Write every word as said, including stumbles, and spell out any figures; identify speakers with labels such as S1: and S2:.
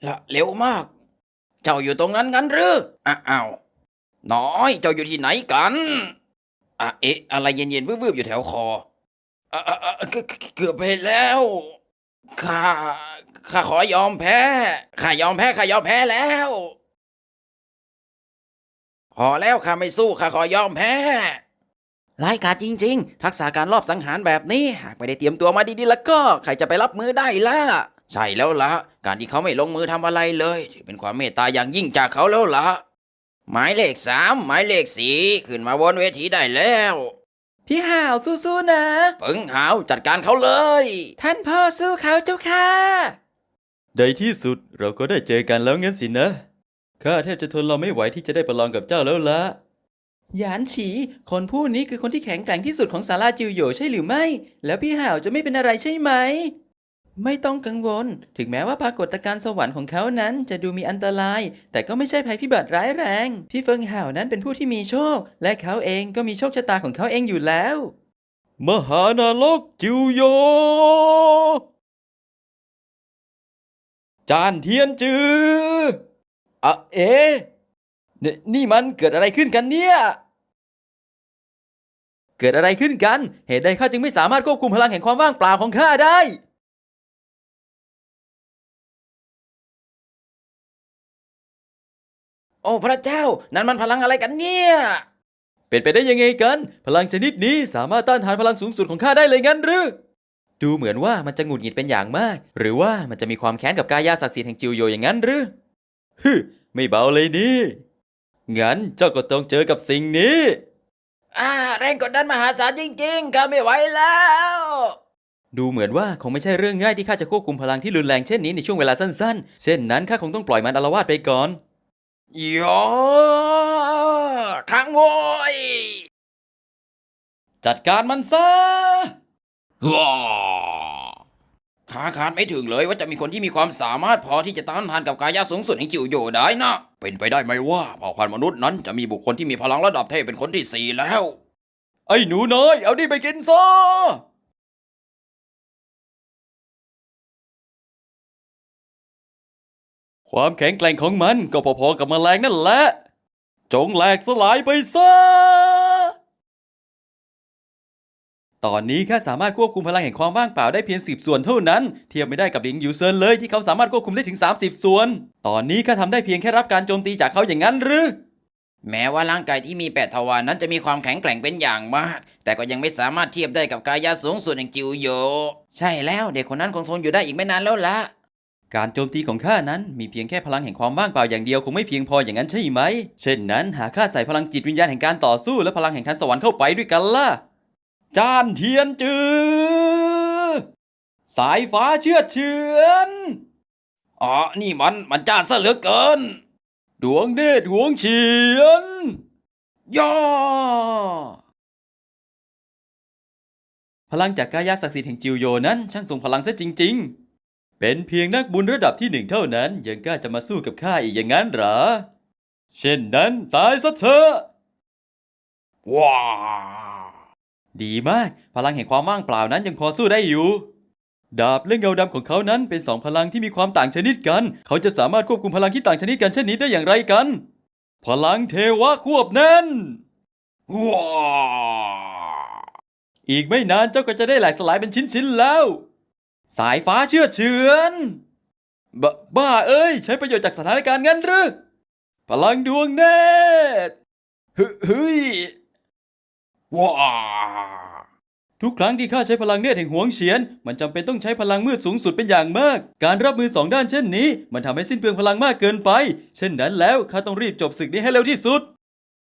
S1: ละเร็วมาก เจ้าอยู่ตรงนั้นงั้นหรืออ้าวน้อยเจ้าอยู่ที่ไหนกันอ่ะเอ๊ะอะไรเย็นๆวืบๆอยู่แถวคออ่ะอ่ะอ่ะเกือบเกือบไปแล้วข้าข้าขอยอมแพ้ข้ายอมแพ้ข้ายอมแพ้แล้วพอแล้วข้าไม่สู้ข้าขอยอมแพ้ร้ายกาจจริงๆทักษะการลอบสังหารแบบนี้หากไม่ได้เตรียมตัวมาดีๆแล้วก็ใครจะไปรับมือได้ล่ะใช่แล้วละการที่เขาไม่ลงมือทำอะไรเลยถือเป็นความเมตตาอย่างยิ่งจากเขาแล้วละหมายเลขสามหมายเลขสี่ขึ้นมาบนเวทีได้แล้วพี่ห่าวสู้ๆนะปึงห่าวจัดการเขาเลยท่านพ่อสู้เขาเจ้าค่ะ
S2: ในที่สุดเราก็ได้เจอกันแล้วงั้นสินะข้าแทบจะทนเราไม่ไหวที่จะได้ประลองกับเจ้าแล้วละ
S3: หยานฉี คนผู้นี้คือคนที่แข็งแกร่งที่สุดของศาลาจิวโหยใช่หรือไม่ แล้วพี่ห่าวจะไม่เป็นอะไรใช่ไหม ไม่ต้องกังวล ถึงแม้ว่าปรากฏการณ์สวรรค์ของเขานั้นจะดูมีอันตราย แต่ก็ไม่ใช่ภัยพิบัติร้ายแรง พี่เฟิงห่าวนั้นเป็นผู้ที่มีโชค และเขาเองก็มีโชคชะตาของเขาเองอยู่แล้ว
S2: มหานรกจิวโยจานเทียนจืออะเอ๊ะนนี่มันเกิดอะไรขึ้นกันเนี่ย เกิดอะไรขึ้นกัน เหตุใดข้าจึงไม่สามารถควบคุมพลังแห่งความว่างเปล่าของข้าได้
S1: โอ้พระเจ้านั่นมันพลังอะไรกันเนี่ย
S2: เป็นไปได้ยังไงกัน พลังชนิดนี้สามารถต้านทานพลังสูงสุดของข้าได้เลยงั้นหรือ ดูเหมือนว่ามันจะหงุดหงิดเป็นอย่างมาก หรือว่ามันจะมีความแค้นกับกายาศักดิ์สิทธิ์แห่งจิวโยอย่างนั้นหรือฮึไม่เบาเลยนี่งั้นเจ้าก็ต้องเจอกับสิ่งนี้
S1: อ่าแรงกดดันมหาศาลจริงๆข้าไม่ไหวแล้ว
S2: ดูเหมือนว่าคงไม่ใช่เรื่องง่ายที่ข้าจะควบคุมพลังที่รุนแรงเช่นนี้ในช่วงเวลาสั้นๆ เช่นนั้นข้าคงต้องปล่อยมันอาละวาดไปก่อน
S1: โยขังโวย
S2: จัดการมันซะ
S1: ว้าขาขาดไม่ถึงเลยว่าจะมีคนที่มีความสามารถพอที่จะต้านทานกับกายะสูงสุดแห่งจิวโยได้นะ เป็นไปได้ไหมว่าเผ่าพันธุ์มนุษย์นั้นจะมีบุคคลที่มีพลังระดับเทพเป็นคนที่สี่แล้ว
S2: ไอ้หนูน้อย เอานี่ไปกินซะ ความแข็งแกร่งของมันก็พอๆกับแมลงนั่นแหละ จงแหลกสลายไปซะ ตอนนี้ข้าสามารถควบคุมพลังแห่งความว่างเปล่าได้เพียงสิบส่วนเท่านั้น เทียบไม่ได้กับหลิงหยูเซินเลยที่เขาสามารถควบคุมได้ถึงสามสิบส่วน ตอนนี้ข้าทำได้เพียงแค่รับการโจมตีจากเขาอย่างนั้นหรือ
S1: แม้ว่าร่างกายที่มีแปดทวารนั้นจะมีความแข็งแกร่งเป็นอย่างมาก แต่ก็ยังไม่สามารถเทียบได้กับกายะสูงสุดแห่งจิวโย ใช่แล้วเด็กคนนั้นคงทนอยู่ได้อีกไม่นานแล้วละ
S2: การโจมตีของข้านั้นมีเพียงแค่พลังแห่งความว่างเปล่าอย่างเดียวคงไม่เพียงพออย่างนั้นใช่ไหม เช่นนั้นหากข้าใส่พลังจิตวิญญาณแห่งการต่อสู้และพลังแห่งทันสวรรค์เข้าไปด้วยกันล่ะ จานเทียนจือ สายฟ้าเชือดเฉือน
S1: อ๋อนี่มันมันจ้าซะเหลือเกิน
S2: ดวงเนตรหวงเฉียน
S1: ย่อ
S2: พลังจากกายศักดิ์สิทธิ์แห่งจิวโยนั้นช่างทรงพลังซะจริงๆ เป็นเพียงนักบุญระดับที่หนึ่งเท่านั้นยังกล้าจะมาสู้กับข้าอีกอย่างนั้นเหรอ เช่นนั้นตายซะเถอะ
S1: ว้า
S2: ดีมาก พลังแห่งความว่างเปล่านั้นยังพอสู้ได้อยู่ ดาบและเงาดำของเขานั้นเป็นสองพลังที่มีความต่างชนิดกัน เขาจะสามารถควบคุมพลังที่ต่างชนิดกันเช่นนี้ได้อย่างไรกัน พลังเทวะควบแน่น
S1: ว้า
S2: อีกไม่นานเจ้าก็จะได้แหลกสลายเป็นชิ้นๆแล้ว สายฟ้าเชื่อดเฉือนบบ้าเอ้ย ใช้ประโยชน์จากสถานการณ์งั้นหรือ พลังดวงเนตรฮึเฮ้ย
S1: ว้า
S2: ทุกครั้งที่ข้าใช้พลังเนตรแห่งหวงเฉียน มันจำเป็นต้องใช้พลังมืดสูงสุดเป็นอย่างมาก การรับมือสองด้านเช่นนี้ มันทำให้สิ้นเปลืองพลังมากเกินไป เช่นนั้นแล้วข้าต้องรีบจบศึกนี้ให้เร็วที่สุด